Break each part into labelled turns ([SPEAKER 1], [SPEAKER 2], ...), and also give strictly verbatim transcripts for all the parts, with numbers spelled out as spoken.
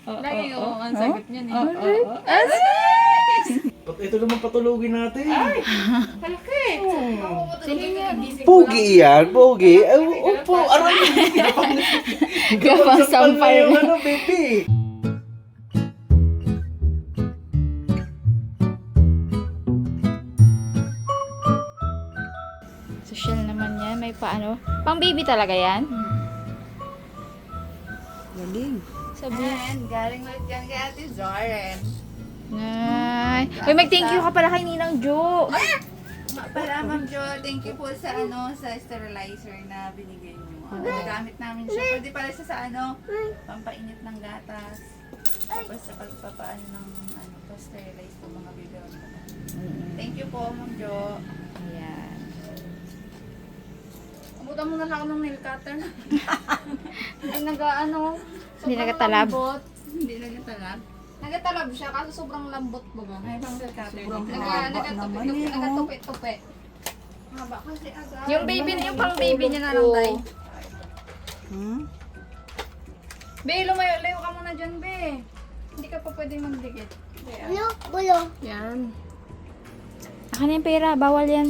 [SPEAKER 1] Lagi oh, ang sagot niya eh.
[SPEAKER 2] Pat ito naman patulugin natin.
[SPEAKER 1] Malaki! Sino niya?
[SPEAKER 2] Pogi yan, pogi. Ay, upo, aray.
[SPEAKER 3] Gawang sampal
[SPEAKER 2] yung
[SPEAKER 3] na.
[SPEAKER 2] ano, baby.
[SPEAKER 3] Social naman yan. May paano. Pang baby talaga yan.
[SPEAKER 4] Galing.
[SPEAKER 3] Sabi.
[SPEAKER 1] And galing ulit yan kay Ate Zoren.
[SPEAKER 3] Nay. Uy, mag-thank you ka pala kay Ninang Jo.
[SPEAKER 1] Nga pala, Ma'am Jo, thank you po sa ano sa sterilizer na binigay niyo. Ano, nagamit namin siya. Pwede pala siya sa ano, pampainit ng gatas. Tapos sa pagpapaano ng ano, pa-sterilize po mga biberon. Thank you po, Ma'am Jo.
[SPEAKER 3] Ayan.
[SPEAKER 1] Abutan mo na lang ako ng nail cutter. Ay, nag-ano,
[SPEAKER 3] Hindi
[SPEAKER 1] sobrang
[SPEAKER 3] nagatalab.
[SPEAKER 1] lambot. Hindi nagatalab. Nagatalab siya kasi sobrang lambot baga. Ay, pang nail cutter.
[SPEAKER 4] Sobrang
[SPEAKER 1] Naga,
[SPEAKER 4] haba
[SPEAKER 1] nagatupi,
[SPEAKER 4] naman eh, oh.
[SPEAKER 1] nagatupi-tupi. Haba kasi agad.
[SPEAKER 3] Yung baby, yung pang baby niya na lang, Day.
[SPEAKER 4] Hmm?
[SPEAKER 1] Be, lumayo-layo ka muna dyan, Be. Hindi ka pa pwedeng magdikit.
[SPEAKER 5] Ano? Gulo.
[SPEAKER 1] Yan.
[SPEAKER 3] Akin na yung pera. Bawal yan.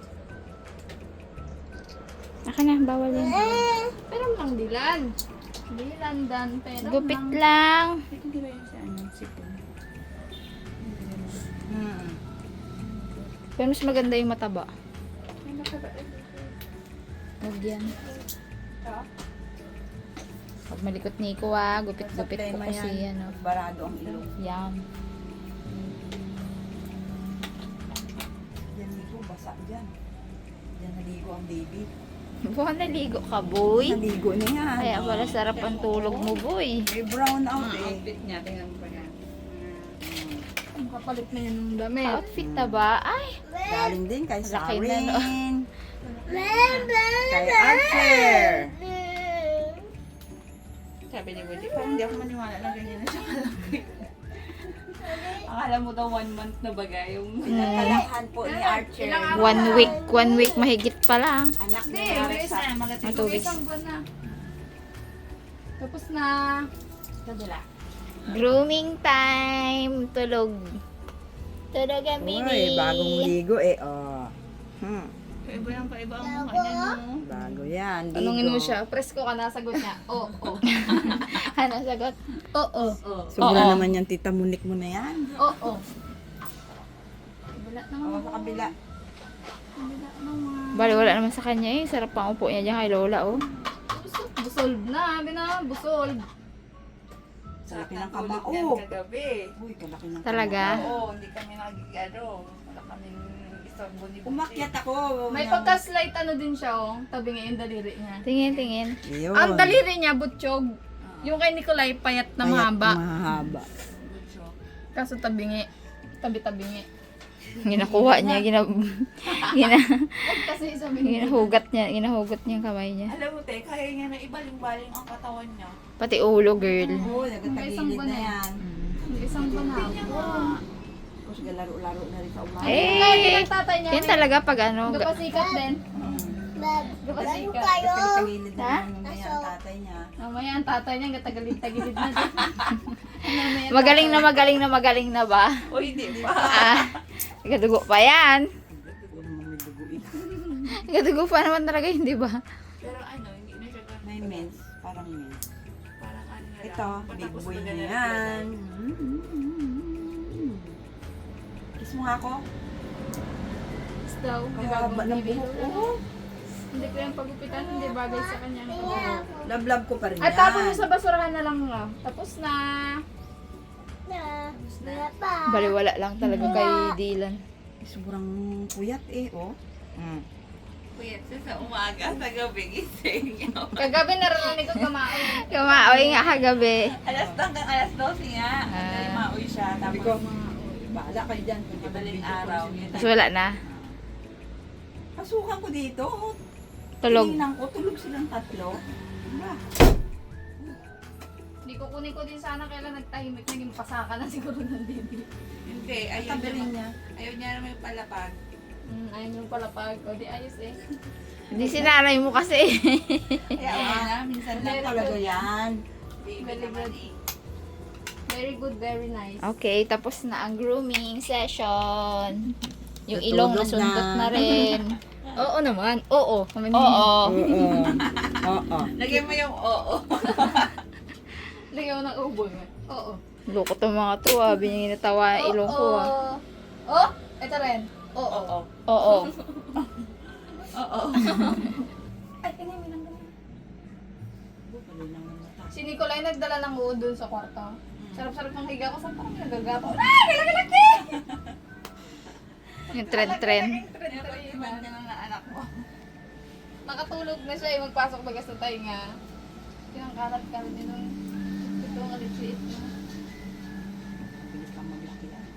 [SPEAKER 3] Akin na. Bawal yan.
[SPEAKER 1] Pero lang dilan. Dilan dan, pero
[SPEAKER 3] Gupit
[SPEAKER 1] lang.
[SPEAKER 3] lang.
[SPEAKER 4] Hindi ba yun sa ano? Sipon. Hmm.
[SPEAKER 3] Pero mas maganda yung mataba. Huwag yan. Pag malikot ni ko ah, gupit-gupit ko
[SPEAKER 4] Problema
[SPEAKER 3] kasi
[SPEAKER 4] yan.
[SPEAKER 3] ano.
[SPEAKER 4] Barado ang ilong.
[SPEAKER 3] Yan.
[SPEAKER 4] Yan ligo, basa dyan. Yan naligo ang baby.
[SPEAKER 3] Buwan naligo ka, boy.
[SPEAKER 4] Naligo na yan.
[SPEAKER 3] Kaya pala sarap ang tulog mo, boy.
[SPEAKER 4] May brown out eh.
[SPEAKER 1] Outfit niya, tingnan mo pa yan. Ang kapalit na yun ng damit.
[SPEAKER 3] Outfit na ba? Ay!
[SPEAKER 4] Galing din kay
[SPEAKER 3] Laki na, no?
[SPEAKER 4] Sarin. Kay Archer.
[SPEAKER 1] Sabi ni Woody, parang hindi ako maniwala na ganyan na siya kalaki. Akala mo daw one month na baga yung...
[SPEAKER 4] Pinagkalakhan po ni Archer.
[SPEAKER 1] Ilang araw?
[SPEAKER 3] One week, one week mahigit pa lang.
[SPEAKER 4] Anak
[SPEAKER 1] Hindi,
[SPEAKER 4] ni
[SPEAKER 1] bilis
[SPEAKER 4] Alexa.
[SPEAKER 1] na. Magating.
[SPEAKER 3] Ah, two weeks.
[SPEAKER 1] Isang buwan na. Tapos na. Kadala.
[SPEAKER 3] Grooming time. Tulog. Tulog ang
[SPEAKER 4] Uy,
[SPEAKER 3] baby.
[SPEAKER 4] bagong ligo eh. Oh. Hmm.
[SPEAKER 1] Paiba yan, paiba ang mukha niya, no?
[SPEAKER 4] Bago yan. Ligo.
[SPEAKER 1] Tanungin mo siya, presko ka na, sagot niya. Oo, oo.
[SPEAKER 3] Ano sagot? Oo.
[SPEAKER 1] Oo.
[SPEAKER 4] Sobra
[SPEAKER 3] Oo.
[SPEAKER 4] naman yung tita munik mo na yan.
[SPEAKER 1] Oo. Wala naman.
[SPEAKER 4] Oo, sa kabila.
[SPEAKER 1] Wala naman.
[SPEAKER 3] Bali, wala naman sa kanya eh. Sarap pang upo niya dyan kay Lola, oh.
[SPEAKER 1] Busol. Busolb na, abi na, busolb.
[SPEAKER 4] Sa laki ng kamao.
[SPEAKER 1] Kagabi.
[SPEAKER 4] Uy, kalaki ng
[SPEAKER 3] Talaga?
[SPEAKER 1] Oo, hindi kami nagigado. Wala kaming isang buni.
[SPEAKER 4] Umakyat ako.
[SPEAKER 1] May pagka-slight ano din siya, oh. Tabi nga yung daliri niya.
[SPEAKER 3] Tingin, tingin.
[SPEAKER 4] Yun.
[SPEAKER 1] Ang daliri niya, butchog. Yung kay Nicolay, payat na
[SPEAKER 4] Payat,
[SPEAKER 1] mahaba.
[SPEAKER 4] Mahaba.
[SPEAKER 1] Kaso tabingi. Tabi-tabingi.
[SPEAKER 3] Ginakuha niya, gina, gina,
[SPEAKER 1] Kasi sabi niya.
[SPEAKER 3] ginahugat niya, ginahugot niya yung kamay niya.
[SPEAKER 1] Alam mo, te, kaya niya na ibaling-baling ang katawan niya.
[SPEAKER 3] Pati ulo, girl.
[SPEAKER 4] Oo,
[SPEAKER 1] May isang
[SPEAKER 4] nagkatagilid
[SPEAKER 1] buwan
[SPEAKER 4] na
[SPEAKER 1] na
[SPEAKER 4] yan.
[SPEAKER 1] Isang buwan na ako.
[SPEAKER 4] Tapos galaro-laro na rin sa umaga.
[SPEAKER 3] Eh,
[SPEAKER 1] Kaya din ang tatay niya.
[SPEAKER 3] yan talaga pag ano, ga-
[SPEAKER 1] Gapasikat din.
[SPEAKER 5] Lalo
[SPEAKER 1] Gapasikat.
[SPEAKER 5] kayo.
[SPEAKER 4] Nagkatagilid na
[SPEAKER 3] Ha?
[SPEAKER 4] yan mamaya ang tatay niya.
[SPEAKER 1] Mamaya ang tatay niya, gatagalid-tagilid na din. Mamaya
[SPEAKER 3] magaling na magaling na magaling na ba?
[SPEAKER 1] O, hindi pa.
[SPEAKER 3] Ah, gadugo pa yan.
[SPEAKER 4] Hindi naman may dugo eh.
[SPEAKER 3] Gadugo pa naman talaga, hindi ba?
[SPEAKER 1] Pero ano, hindi na siya ganun.
[SPEAKER 4] May mens, parang mens.
[SPEAKER 1] Parang ano na lang.
[SPEAKER 4] Ito, big
[SPEAKER 1] Patapos
[SPEAKER 4] boy
[SPEAKER 1] na
[SPEAKER 4] na
[SPEAKER 1] ganun
[SPEAKER 4] yan. Kiss mo nga ako.
[SPEAKER 1] Tapos daw, di ba,
[SPEAKER 4] Kahaba ng
[SPEAKER 1] baby?
[SPEAKER 4] buhok ko.
[SPEAKER 1] Hindi ko yung pagupitan, hindi bagay sa kanya.
[SPEAKER 4] Love-love ko pa rin
[SPEAKER 1] At
[SPEAKER 4] yan.
[SPEAKER 1] tapos mo sa basurahan na lang nga. Tapos na.
[SPEAKER 5] Na. Wala pa.
[SPEAKER 3] Baliwala lang talaga kay Dylan.
[SPEAKER 4] Sobrang puyat eh, oh. Mm.
[SPEAKER 6] Kuya, sa umaga, sa gabi, gising niyo.
[SPEAKER 1] Kagabi naririnig ko kumain.
[SPEAKER 3] Kumaoy nga kagabi.
[SPEAKER 6] Alas hanggang alas dose nga.
[SPEAKER 3] Ah.
[SPEAKER 6] Mauwi siya.
[SPEAKER 4] Sabi
[SPEAKER 6] Tapos,
[SPEAKER 4] ko, bahala kayo dyan. Kung di ba
[SPEAKER 6] madaling
[SPEAKER 4] video
[SPEAKER 6] araw.
[SPEAKER 4] call sila.
[SPEAKER 3] Tapos wala na.
[SPEAKER 4] Pasukan ko dito. oh.
[SPEAKER 3] Tulog.
[SPEAKER 4] Tingnan ko, tulog silang tatlo. Wala.
[SPEAKER 1] Hindi ko kunin ko din sana kailan nagtahimik. Naging pasaka na siguro ng baby.
[SPEAKER 6] hindi, ayaw
[SPEAKER 4] Tabi rin
[SPEAKER 6] niya.
[SPEAKER 4] niya.
[SPEAKER 6] Ayaw niya naman yung palapag.
[SPEAKER 1] Mm, ayun yung palapag. O di ayos eh.
[SPEAKER 3] Hindi sinanay mo kasi.
[SPEAKER 6] Kaya ayaw na, minsan lang
[SPEAKER 4] Ano talaga yan?
[SPEAKER 6] baby
[SPEAKER 1] Very
[SPEAKER 6] naman
[SPEAKER 1] good.
[SPEAKER 6] eh.
[SPEAKER 3] Very good, very nice. Okay, tapos na ang grooming session. Yung ilong
[SPEAKER 4] Natulog
[SPEAKER 3] nasundot
[SPEAKER 4] na.
[SPEAKER 3] na rin. Oo naman. Oo. Kami
[SPEAKER 6] Oo.
[SPEAKER 4] Oo. Oo.
[SPEAKER 6] Lagyan mo yung oo.
[SPEAKER 3] Lagyan mo ng ubo. Oo. Loko to mga to ah. Bininitawa yung ilong ko ah. Oh, ito rin. Oo.
[SPEAKER 6] Oo.
[SPEAKER 3] Oo.
[SPEAKER 6] Oo.
[SPEAKER 3] Ay, tingnan mo lang ganun. Si Nicolay nagdala ng uod dun sa kwarto. Sarap-sarap ng higa ko. Saan parang nagagapo? Ah! Laki-laki! Yung trend-trend.
[SPEAKER 6] Yung banda ng anak mo.
[SPEAKER 3] Nakatulog na siya eh. Magpasok bagas na tayo nga. Pinangkalat-kalat din nung ito ang alitsiit na.
[SPEAKER 4] Bilis lang maglaki yan.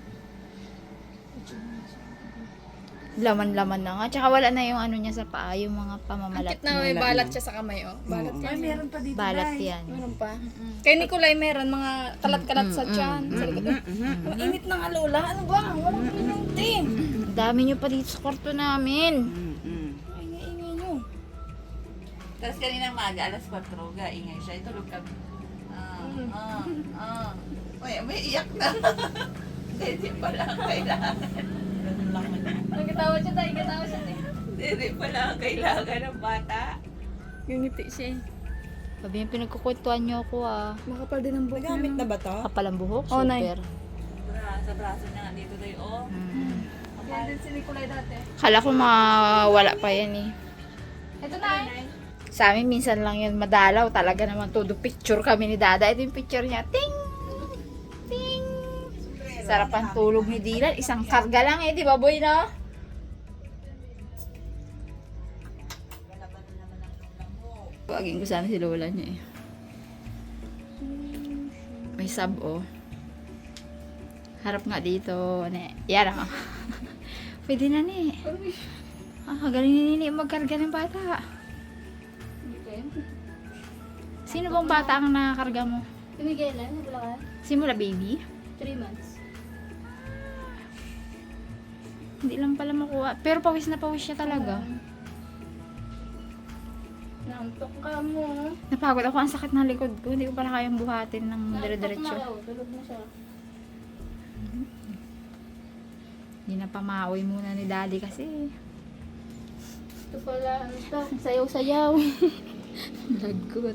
[SPEAKER 3] Laman-laman na nga. Tsaka wala na yung ano niya sa paa. Yung mga pamamalat.
[SPEAKER 7] Na may balat siya sa kamay, oh. Balat
[SPEAKER 1] Ay, meron pa dito,
[SPEAKER 3] Balat
[SPEAKER 1] Day.
[SPEAKER 3] yan.
[SPEAKER 7] Meron pa. Kay Nicolay meron mga kalat-kalat sa tiyan. Sa likod. Ang init ng alola. Ano ba? Walang kuminti.
[SPEAKER 3] Ang dami niyo pa dito sa kwarto namin.
[SPEAKER 7] Ay, ingay nyo.
[SPEAKER 6] Tapos kaninang maga, alas kwatro, ga, ingay siya. Itulog kami. Ah, ah, ah. Uy, may iyak na. Hindi pala ang kailangan.
[SPEAKER 4] Ganun lang man.
[SPEAKER 3] Nagkatawa siya tayo. Nagkatawa siya tayo.
[SPEAKER 6] Hindi pala ang kailangan ng bata.
[SPEAKER 7] Yung ngiti siya. eh.
[SPEAKER 3] Sabi yung pinagkukwentuhan niyo ako ah.
[SPEAKER 7] Makapal din ang buhok
[SPEAKER 4] Nagamit
[SPEAKER 7] niya.
[SPEAKER 4] na ba to?
[SPEAKER 3] Kapal ang buhok.
[SPEAKER 7] Oh, Nay.
[SPEAKER 3] Super.
[SPEAKER 6] Bra, sa braso niya nga dito tayo, oh.
[SPEAKER 3] Mm.
[SPEAKER 7] Yan din si Nicolay dati.
[SPEAKER 3] Kala ko mawala pa yan eh.
[SPEAKER 7] Ito na.
[SPEAKER 3] Sa amin minsan lang yun madalaw. Talaga naman todo picture kami ni Dada. Ito yung picture niya. Ting! Ting! Sarap ang tulog ni Dylan. Isang karga lang eh. Di ba boy no? Pagin ko sana si Lola niya eh. May sub oh. Harap nga dito. Ne. Yan ako. Pwede na ni. Ah, galing ni Nini magkarga ng bata. Sino bang bata ang nakakarga mo?
[SPEAKER 5] Si Miguelan, nabula ka?
[SPEAKER 3] Simula baby?
[SPEAKER 5] Three months.
[SPEAKER 3] Hindi lang pala makuha. Pero pawis na pawis siya talaga.
[SPEAKER 5] Nantok ka mo.
[SPEAKER 3] Napagod ako. Ang sakit ng likod ko. Hindi ko pala kayang buhatin ng dire-diretso.
[SPEAKER 5] na raw, tulog na siya.
[SPEAKER 3] Hindi na pamaoy muna ni Daddy kasi.
[SPEAKER 5] Ito pala, ano to? Sayaw-sayaw.
[SPEAKER 3] Lagot.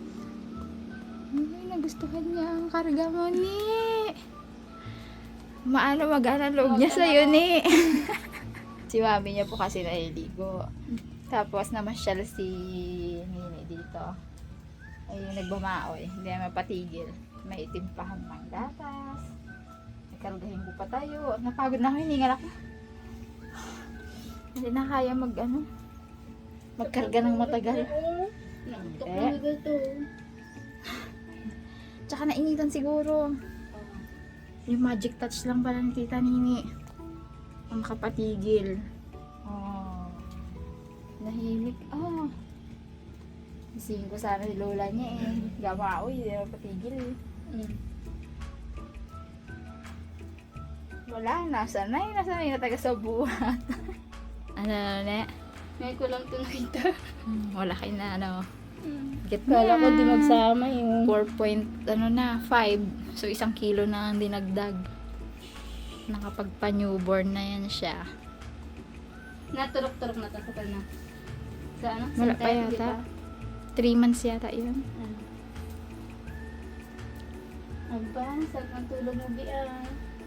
[SPEAKER 3] Ay, nagustuhan niya ang karga mo, ni. Maano magana loob niya sa'yo, ni. Si mami niya po kasi naliligo. Tapos namasyal si Nini dito. Ayun, nagbumaoy. Hindi na mapatigil. May itim pa hamang gatas. Nagkargahin ko pa tayo. Napagod na ako, hiningal ako. Hindi na kaya mag, ano, magkarga ng matagal.
[SPEAKER 5] Nantok
[SPEAKER 3] Eh.
[SPEAKER 5] na to.
[SPEAKER 3] Tsaka nainitan siguro. Yung magic touch lang pala ni Tita Nini. Ang makapatigil. Oh. Nahimik. Oh. Isingin ko sana si Lola niya eh. Gama oy, hindi na patigil eh.
[SPEAKER 5] Mm.
[SPEAKER 3] Wala, nasa na yun. Nasa na yun, taga sa buhat. ano na?
[SPEAKER 5] Ngayon ko lang ito nakita.
[SPEAKER 3] Hmm, wala kayo na ano. Get
[SPEAKER 5] Kala ko di magsama yung...
[SPEAKER 3] four point ano na, five. So isang kilo na ang dinagdag. Nakapagpa-newborn na yan siya.
[SPEAKER 5] Naturok-turok na to. Kapal na. Sa ano?
[SPEAKER 3] Wala pa
[SPEAKER 5] Synthetic,
[SPEAKER 3] yata.
[SPEAKER 5] diba?
[SPEAKER 3] three months yata yun.
[SPEAKER 5] Ano? Aba, sarap ng tulog mo, Bia.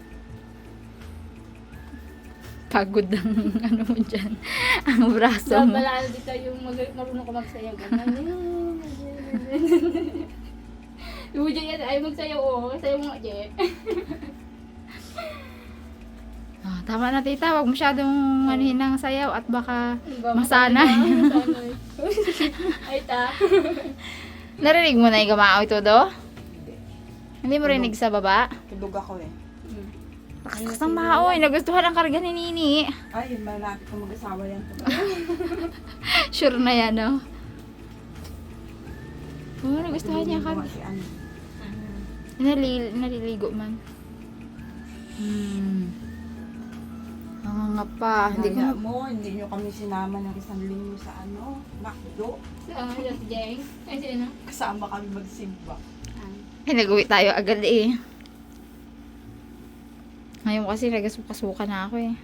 [SPEAKER 3] Pagod ang ano mo dyan. Ang braso mo.
[SPEAKER 5] Babala dito yung mag- marunong ko magsayaw. Ganun. Yung Jay yan, ayaw magsayaw, oh. Sayaw mo nga, Jay.
[SPEAKER 3] Ah, tama na tita, wag masyadong manuhin ng sayaw at baka
[SPEAKER 5] Ba,
[SPEAKER 3] masanay.
[SPEAKER 5] masanay. Ay, ta.
[SPEAKER 3] Narinig mo na yung gamao ito do? Hindi mo rinig sa baba?
[SPEAKER 4] Tulog ako eh.
[SPEAKER 3] Lakas ng maoy, nagustuhan ang karga ni Nini.
[SPEAKER 4] Ay, malapit ko mag-asawa yan.
[SPEAKER 3] Sure na yan, no? Oo, oh, nagustuhan niya ang karga.
[SPEAKER 4] Si ano.
[SPEAKER 3] Nalil, naliligo man. Hmm. Ang nga pa. Hindi ko
[SPEAKER 4] Kaya
[SPEAKER 3] na...
[SPEAKER 4] mo, hindi nyo kami sinama ng isang linggo sa ano, Macdo.
[SPEAKER 5] Sa ano, si Jay? Ay, sino?
[SPEAKER 4] Kasama kami magsimba.
[SPEAKER 3] Ay, nag-uwi tayo agad eh. Ngayon kasi nagasuka-suka na ako eh.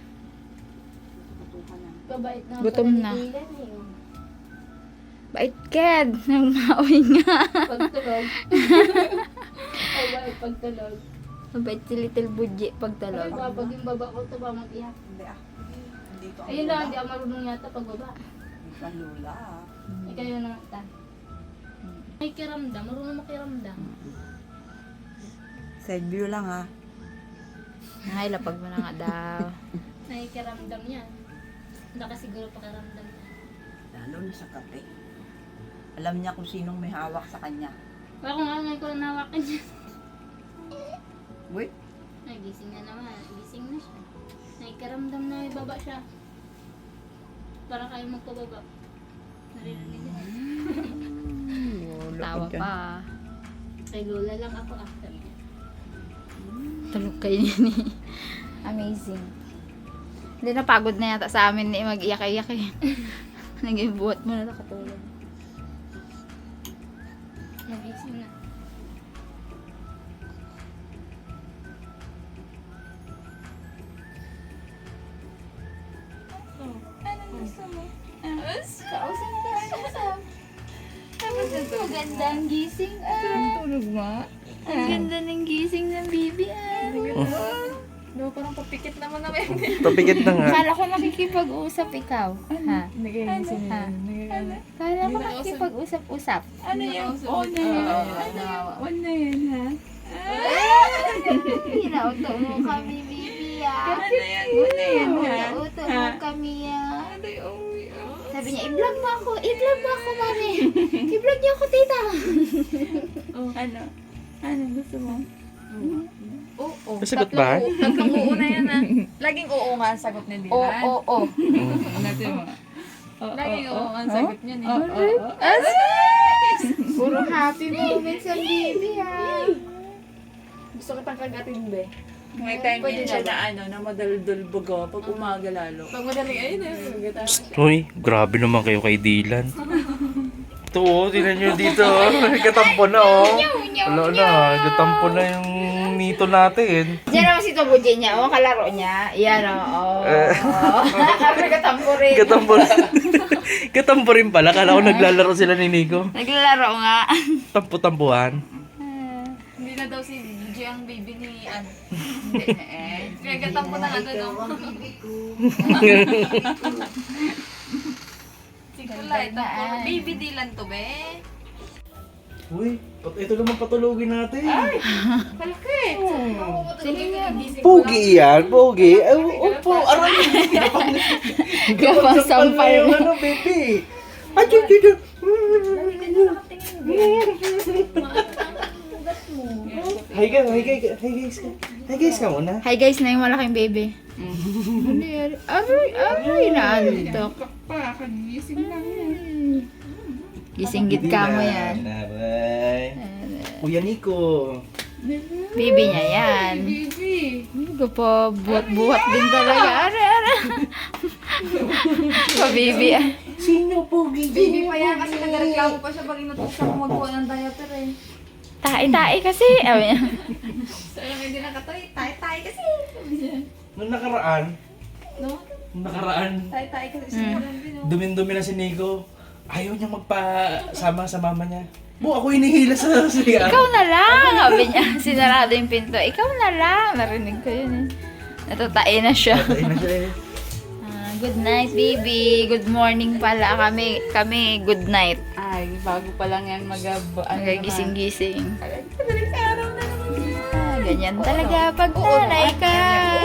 [SPEAKER 5] Kabait na.
[SPEAKER 3] Gutom
[SPEAKER 5] pala ni
[SPEAKER 3] na.
[SPEAKER 5] Dylan eh.
[SPEAKER 3] Bait ked. Nang maoy nga.
[SPEAKER 5] Pagtulog. Ay, bait pagtulog.
[SPEAKER 3] Mabait si Little Budgie
[SPEAKER 5] Ay,
[SPEAKER 3] pagtalog.
[SPEAKER 5] ba, pag yung baba ko, ito ba mag-iyak?
[SPEAKER 6] Hindi ah. Hindi ko ang
[SPEAKER 5] Ayun lang,
[SPEAKER 6] lula.
[SPEAKER 5] hindi ako marunong yata pagbaba.
[SPEAKER 6] Hindi ko ang lula ah.
[SPEAKER 5] Ay, kayo na ta. May kiramdam, marunong makiramdam.
[SPEAKER 6] Side view lang ah.
[SPEAKER 3] Ay, lapag mo na nga daw.
[SPEAKER 5] Nakikiramdam niya. Hindi ka siguro pakiramdam niya.
[SPEAKER 6] Lalo na sa kape. Alam niya kung sinong may hawak sa kanya.
[SPEAKER 5] Ako nga, ngayon ko lang nawakan niya.
[SPEAKER 6] Wait.
[SPEAKER 5] Ay, gising na naman. Gising na siya. Nakikiramdam na may baba siya. Para kayo magpababa. Naririnig niya.
[SPEAKER 3] Tawa pa.
[SPEAKER 5] Kay Lola lang ako after niya.
[SPEAKER 3] Tulog kayo ni. Amazing. Hindi napagod na yata sa amin ni mag-iyak-iyak eh. Naging buhat mo na nakatulog.
[SPEAKER 5] Nagising na.
[SPEAKER 3] Kausap ka, kausap. Maganda ang gising ah.
[SPEAKER 1] Tulog nga.
[SPEAKER 3] Ang ganda ng gising ng bibi ah.
[SPEAKER 7] No, parang papikit naman namin.
[SPEAKER 2] Papikit na nga.
[SPEAKER 3] Kala ko nakikipag-usap ikaw. Ha?
[SPEAKER 1] Nagagising
[SPEAKER 3] Ha?
[SPEAKER 1] na.
[SPEAKER 3] Kala ko nakikipag-usap-usap.
[SPEAKER 1] Ano yung on na yan? Ano yung on na yan, ha?
[SPEAKER 3] Pinauto mo kami, bibi ah.
[SPEAKER 1] Ano yan? On na yan, ha?
[SPEAKER 3] Pinauto mo kami ah.
[SPEAKER 1] Ano yung
[SPEAKER 3] Sabi niya, i-vlog mo ako, i-vlog mo ako, mami. I-vlog niyo ako, tita.
[SPEAKER 1] Ano? Ano gusto mo?
[SPEAKER 7] Oo.
[SPEAKER 2] Sagot ba?
[SPEAKER 7] Tatlong oo na yan ah. Laging oo nga ang sagot ni Dylan.
[SPEAKER 3] Oo, oo, oo.
[SPEAKER 1] Natin mo.
[SPEAKER 7] Laging oo nga ang sagot niya eh.
[SPEAKER 3] Puro happy moments ang baby, ha.
[SPEAKER 7] Gusto kitang kagatin, be.
[SPEAKER 1] May time din siya na ano, na madaldal baga pag umaga lalo.
[SPEAKER 7] Pag madaling ayun eh. Maganda.
[SPEAKER 2] Uy, grabe naman kayo kay Dylan. Ito oh, tingnan nyo dito oh. Katampo na oh. Wala na, katampo na yung nito natin.
[SPEAKER 3] Diyan naman si Tobudji niya, oh, kalaro niya. Yan, oh. Oh. Kami katampo rin.
[SPEAKER 2] Katampo rin. Katampo rin pala, kala ko naglalaro sila ni Nico.
[SPEAKER 3] Naglalaro nga.
[SPEAKER 2] Tampo-tampuhan.
[SPEAKER 7] Hindi na daw si Gigi ang baby ni Ann.
[SPEAKER 1] Hindi na eh.
[SPEAKER 7] Kaya gatampo na nga daw. Siguro lang,
[SPEAKER 3] Ganda,
[SPEAKER 7] baby Dylan to, be.
[SPEAKER 2] Uy, pat- ito naman patulogin natin.
[SPEAKER 3] Sige nga.
[SPEAKER 2] Pogi yan, pogi. Ay, upo, aray.
[SPEAKER 3] Gawang sampal
[SPEAKER 2] yung
[SPEAKER 3] na.
[SPEAKER 2] ano, baby. Ay, yun, yun, yun. Hi guys, hi guys, hi guys ka. Hi guys ka muna.
[SPEAKER 3] Hi guys na yung malaking baby. Ano yan? Aray, aray, naantok.
[SPEAKER 1] Pa, kagising lang yan.
[SPEAKER 3] Gising-git ka mo yan.
[SPEAKER 2] Bye. Kuya Nico.
[SPEAKER 3] Baby niya yan.
[SPEAKER 1] Baby.
[SPEAKER 3] Hindi ko pa buhat-buhat din talaga. Aray, aray. Pa-baby ah.
[SPEAKER 2] Sino pogi?
[SPEAKER 7] Baby pa yan kasi nagreklamo pa siya pag inutos ako magkuha ng diaper eh.
[SPEAKER 3] Tae-tae kasi. Sabi niya.
[SPEAKER 7] So, alam hindi nakatoy, tayo-tayo kasi.
[SPEAKER 2] Nung nakaraan,
[SPEAKER 7] No?
[SPEAKER 2] nung nakaraan,
[SPEAKER 7] Tayo-tayo kasi siya lang din. oh.
[SPEAKER 2] dumin-dumi na si Nico. Ayaw niya magpasama sa mama niya. Bu, ako hinihila sa siya.
[SPEAKER 3] Ikaw na lang. Sabi niya. Sinarado yung pinto. Ikaw na lang. Narinig ko yun eh. Natatae na siya.
[SPEAKER 2] Ayun na siya eh.
[SPEAKER 3] Ah, good night, baby. Good morning pala kami. Kami, good night.
[SPEAKER 1] Ay, bago pa lang yan mag- ano naman.
[SPEAKER 3] Gising-gising. Ah, ganyan talaga pag nanay ka.